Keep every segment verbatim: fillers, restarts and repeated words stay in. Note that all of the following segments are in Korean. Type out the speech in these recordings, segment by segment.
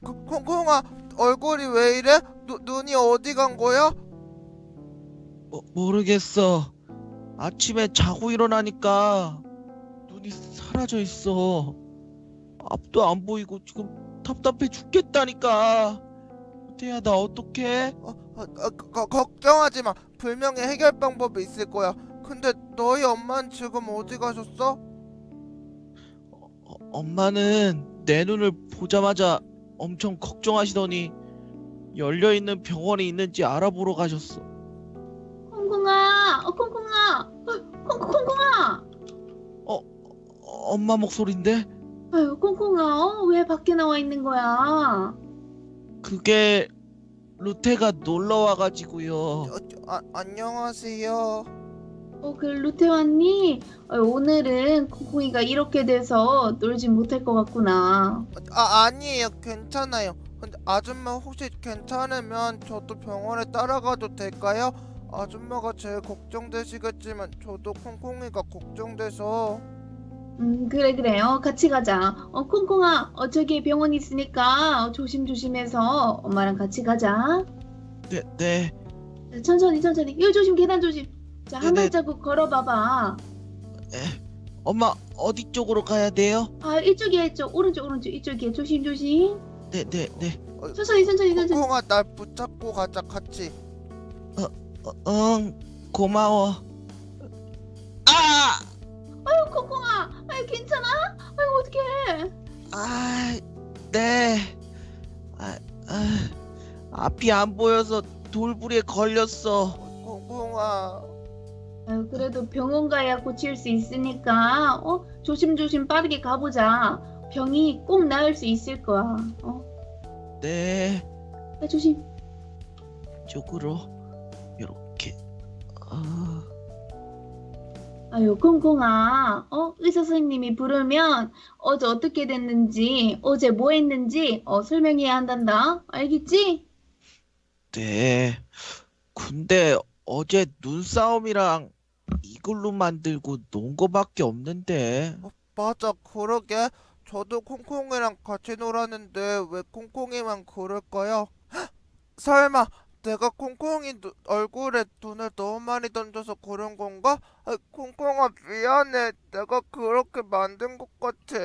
콩- 콩콩아, 얼굴이 왜 이래? 누, 눈이 어디 간 거야? 모, 모르겠어. 아침에 자고 일어나니까 눈이 사라져 있어. 앞도 안 보이고 지금 답답해 죽겠다니까. 태야, 나 어떡해? 어, 어, 어, 거- 걱정하지 마. 분명히 해결 방법이 있을 거야. 근데 너희 엄마는 지금 어디 가셨어? 어, 엄마는 내 눈을 보자마자 엄청 걱정하시더니 열려있는 병원이 있는지 알아보러 가셨어. 콩콩아, 어, 콩콩아, 어, 콩, 콩콩아. 어, 어, 엄마 목소린데? 아유, 콩콩아, 어, 왜 밖에 나와 있는 거야? 그게 루테가 놀러 와가지고요. 어, 저, 아, 안녕하세요. 어, 그 루테 왔니? 어, 오늘은 콩콩이가 이렇게 돼서 놀지 못할 것 같구나. 어, 아, 아니에요. 괜찮아요. 근데 아줌마 혹시 괜찮으면 저도 병원에 따라가도 될까요? 아줌마가 제일 걱정되시겠지만 저도 콩콩이가 걱정돼서. 음, 그래, 그래. 어, 같이 가자. 어, 콩콩아, 어, 저기 병원 있으니까 어, 조심조심해서 엄마랑 같이 가자. 네, 네, 자, 천천히, 천천히. 요 조심, 계단 조심. 자, 한 네네. 발자국 걸어봐봐. 에, 엄마 어디 쪽으로 가야 돼요? 아, 이쪽이야, 이쪽. 오른쪽, 오른쪽. 이쪽이야. 조심, 조심. 네, 네, 네. 어, 천천히, 천천히, 천천히. 콩콩아, 날 붙잡고 가자, 같이. 어, 응, 고마워. 아! 아유, 콩콩아. 아유, 괜찮아? 아유, 어떡해. 아, 네. 아, 아, 앞이 안 보여서 돌부리에 걸렸어. 콩콩아. 아유, 그래도 병원 가야 고칠 수 있으니까, 어? 조심조심 빠르게 가보자. 병이 꼭 나을 수 있을 거야. 어? 네, 아, 조심. 쪽으로 이렇게. 아, 아유, 콩콩아. 어? 의사 선생님이 부르면 어제 어떻게 됐는지, 어제 뭐 했는지, 어, 설명해야 한단다. 알겠지? 네. 근데 어제 눈싸움이랑 이글루 만들고 논 거밖에 없는데. 어, 맞아, 그러게. 저도 콩콩이랑 같이 놀았는데 왜 콩콩이만 그럴까요? 설마 내가 콩콩이 누- 얼굴에 눈을 너무 많이 던져서 그런 건가? 아, 콩콩아, 미안해. 내가 그렇게 만든 것 같아.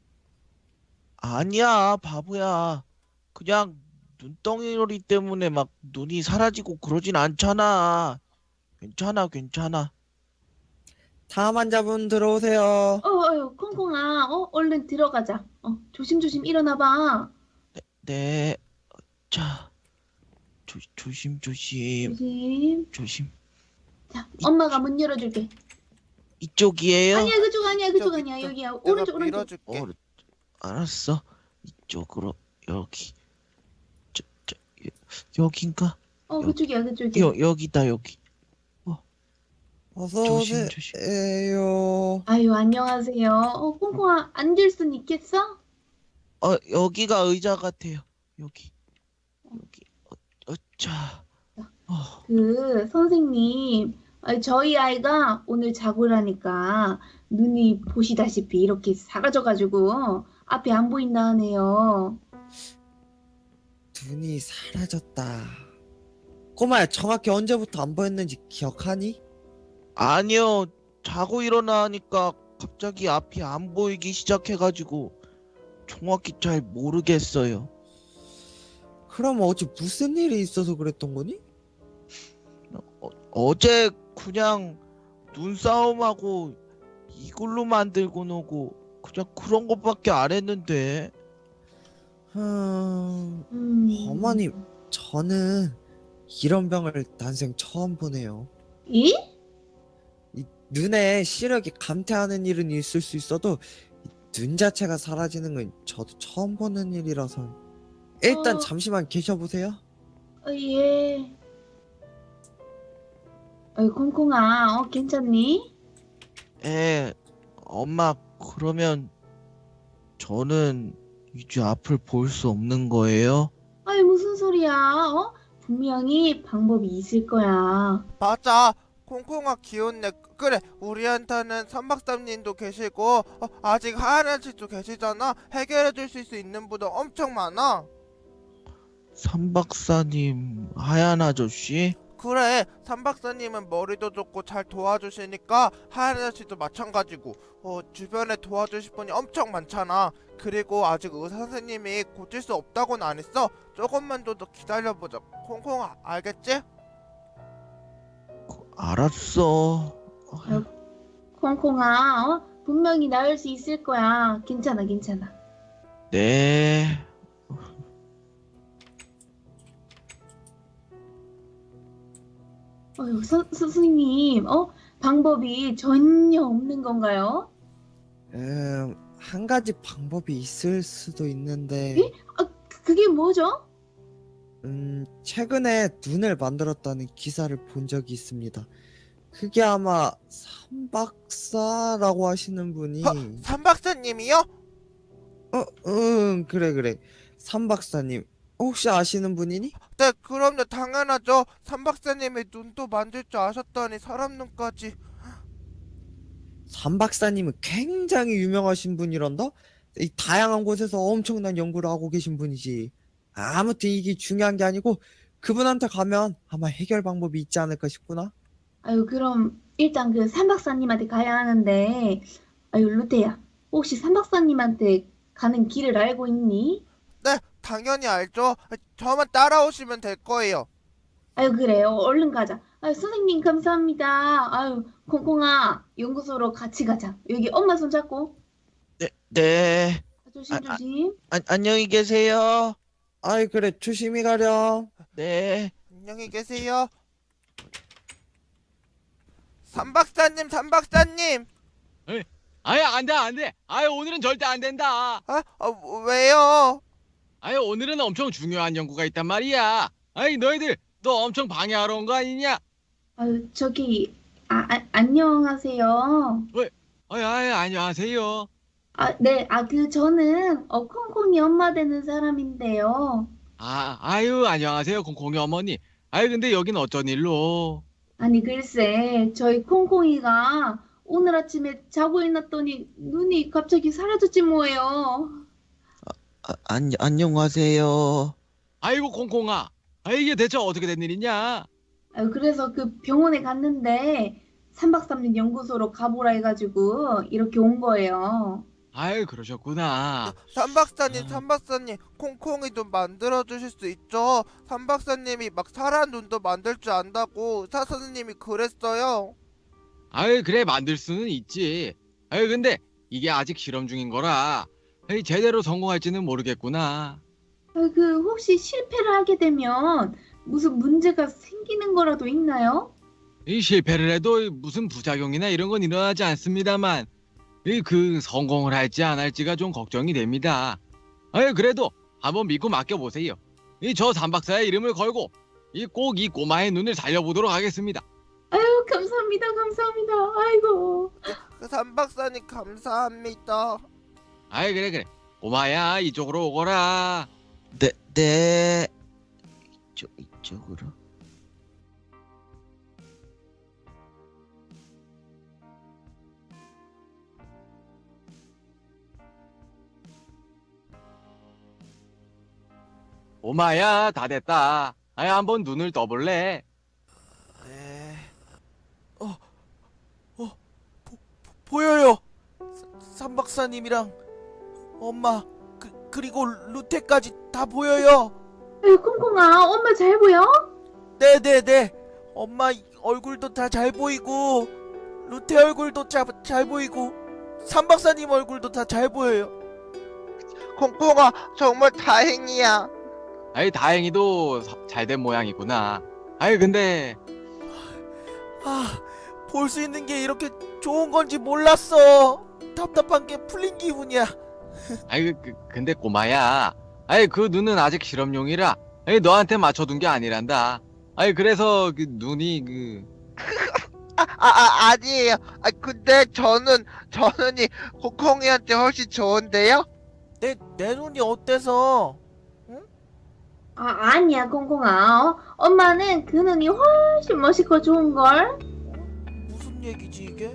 아니야, 바보야. 그냥 눈덩이 때문에 막 눈이 사라지고 그러진 않잖아. 괜찮아, 괜찮아. 다음 환자분 들어오세요. 어, 아유, 콩콩아. 어? 얼른 들어가자. 어, 조심조심 일어나봐. 네, 자, 조, 조심, 조심, 조심. 조심. 자, 이, 엄마가 문 열어줄게. 이쪽이에요? 아니야, 그쪽 아니야, 그쪽 이쪽, 아니야. 이쪽. 여기야. 내가 오른쪽, 오른쪽. 밀어줄게. 어, 알았어. 이쪽으로, 여기. 저, 저, 여, 여긴가? 어, 여기, 그쪽이야, 그쪽이야. 여, 여기다, 여기. 어, 어서 조심, 조심. 오세요. 아유, 안녕하세요. 어, 콩콩아, 앉을 순 있겠어? 어, 여기가 의자 같아요. 여기, 여기. 어, 어, 자. 어, 그, 선생님, 아, 저희 아이가 오늘 자고라니까 눈이 보시다시피 이렇게 사라져가지고 앞이 안 보인다 하네요. 눈이 사라졌다. 꼬마야, 정확히 언제부터 안 보였는지 기억하니? 아니요. 자고 일어나니까 갑자기 앞이 안 보이기 시작해가지고 정확히 잘 모르겠어요. 그럼 어제 무슨 일이 있어서 그랬던 거니? 어, 어제 그냥 눈싸움하고 이걸로 만들고 노고 그냥 그런 것밖에 안 했는데. 음, 음, 어머님, 저는 이런 병을 난생 처음 보네요. 이? 이 눈에 시력이 감퇴하는 일은 있을 수 있어도 이 눈 자체가 사라지는 건 저도 처음 보는 일이라서 일단 어. 잠시만 계셔보세요. 어, 예. 어이, 콩콩아, 어, 괜찮니? 에, 엄마, 그러면 저는 이제 앞을 볼 수 없는 거예요? 아이, 무슨 소리야, 어? 분명히 방법이 있을 거야. 맞아. 콩콩아 귀엽네. 그래, 우리한테는 선박사님도 계시고 어, 아직 하얀 아저씨도 계시잖아. 해결해 주실 수 있는 분도 엄청 많아. 삼 박사님, 하얀 아저씨? 그래, 삼 박사님은 머리도 좋고 잘 도와주시니까 하얀 아저씨도 마찬가지고 어, 주변에 도와주실 분이 엄청 많잖아. 그리고 아직 의사 선생님이 고칠 수 없다고는 안 했어. 조금만 더 기다려보자. 콩콩 아, 알겠지? 알았어. 콩콩아, 어? 분명히 나을 수 있을 거야. 괜찮아, 괜찮아. 네. 어휴, 선, 선생님, 어? 방법이 전혀 없는 건가요? 음, 한 가지 방법이 있을 수도 있는데, 에? 아, 그- 그게 뭐죠? 음, 최근에 눈을 만들었다는 기사를 본 적이 있습니다. 그게 아마 삼박사라고 하시는 분이, 허, 삼 박사님이요? 어, 응, 그래, 그래. 삼박사님, 혹시 아시는 분이니? 네, 그럼요. 당연하죠. 삼 박사님이 눈도 만들 줄 아셨다니 사람 눈까지. 삼박사님은 굉장히 유명하신 분이란다? 이 다양한 곳에서 엄청난 연구를 하고 계신 분이지. 아무튼 이게 중요한 게 아니고, 그분한테 가면 아마 해결 방법이 있지 않을까 싶구나. 아유, 그럼 일단 그 삼박사님한테 가야 하는데, 아유, 루테야, 혹시 삼박사님한테 가는 길을 알고 있니? 네, 당연히 알죠. 저만 따라오시면 될 거예요. 아유, 그래요. 얼른 가자. 아유, 선생님, 감사합니다. 아유, 콩콩아, 연구소로 같이 가자. 여기 엄마 손 잡고. 네, 네. 조심, 아, 아. 조심. 안, 안녕히 계세요. 아이, 그래, 조심히 가렴. 네. 안녕히 계세요. 삼 박사님, 삼 박사님. 아예 안돼 안돼. 아예 오늘은 절대 안 된다. 아, 아 왜요? 아예 오늘은 엄청 중요한 연구가 있단 말이야. 아이 너희들 너 엄청 방해하러 온 거 아니냐? 아유, 저기, 아, 아, 안녕하세요. 아이 아이 안녕하세요. 아, 네, 아, 그, 저는, 어, 콩콩이 엄마 되는 사람인데요. 아 아유 안녕하세요 콩콩이 어머니. 아이 근데 여긴 어쩐 일로? 아니, 글쎄, 저희 콩콩이가 오늘 아침에 자고 일어났더니 눈이 갑자기 사라졌지 뭐예요. 아, 안, 안녕하세요. 아이고 콩콩아. 아 이게 대체 어떻게 된 일이냐? 아유, 그래서 그 병원에 갔는데, 삼박삼일 연구소로 가보라 해가지고, 이렇게 온 거예요. 아유 그러셨구나. 삼 박사님, 아. 삼 박사님, 콩콩이 눈 만들어 주실 수 있죠? 삼 박사님이 막 사람 눈도 만들 줄 안다고 의사 선생님이 그랬어요. 아유 그래 만들 수는 있지. 아유 근데 이게 아직 실험 중인 거라. 아이 제대로 성공할지는 모르겠구나. 아, 그, 혹시 실패를 하게 되면 무슨 문제가 생기는 거라도 있나요? 이 실패를 해도 무슨 부작용이나 이런 건 일어나지 않습니다만 이 그 성공을 할지 안 할지가 좀 걱정이 됩니다. 아유 그래도 한번 믿고 맡겨보세요. 이 저 삼박사의 이름을 걸고 이 꼭 이 꼬마의 눈을 살려보도록 하겠습니다. 아유, 감사합니다, 감사합니다. 아이고. 그 삼 박사님 감사합니다. 아이 그래 그래 꼬마야 이쪽으로 오거라. 네, 네. 이쪽, 이쪽으로. 꼬마야 다 됐다. 아이 한번 눈을 떠볼래? 네. 어, 어, 보, 보여요. 삼 박사님이랑 엄마 그 그리고 루테까지 다 보여요. 아유, 콩콩아, 엄마 잘 보여? 네네네. 엄마 얼굴도 다 잘 보이고 루테 얼굴도 자, 잘 보이고 삼 박사님 얼굴도 다 잘 보여요. 콩콩아 정말 다행이야. 아이 다행히도 잘 된 모양이구나. 아이 근데 아, 볼 수 있는 게 이렇게 좋은 건지 몰랐어. 답답한 게 풀린 기분이야. 아이 그, 근데 꼬마야. 아이 그 눈은 아직 실험용이라. 아이 너한테 맞춰둔 게 아니란다. 아이 그래서 그 눈이 그 아, 아, 아 아니에요. 아, 근데 저는 저는 이 콩콩이한테 훨씬 좋은데요? 내, 내 눈이 어때서? 아, 아니야, 콩콩아. 어? 엄마는 그 눈이 훨씬 멋있고 좋은걸? 무슨 얘기지 이게?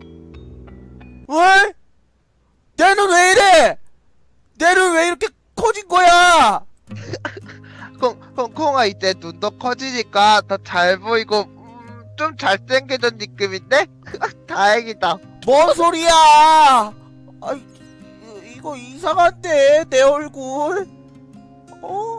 왜? 내 눈 왜 이래? 내 눈 왜 이렇게 커진 거야? 콩, 콩콩아 이제 눈도 커지니까 더 잘 보이고 음, 좀 잘생겨진 느낌인데? 다행이다. 뭔 소리야? 아, 이거 이상한데 내 얼굴. 어,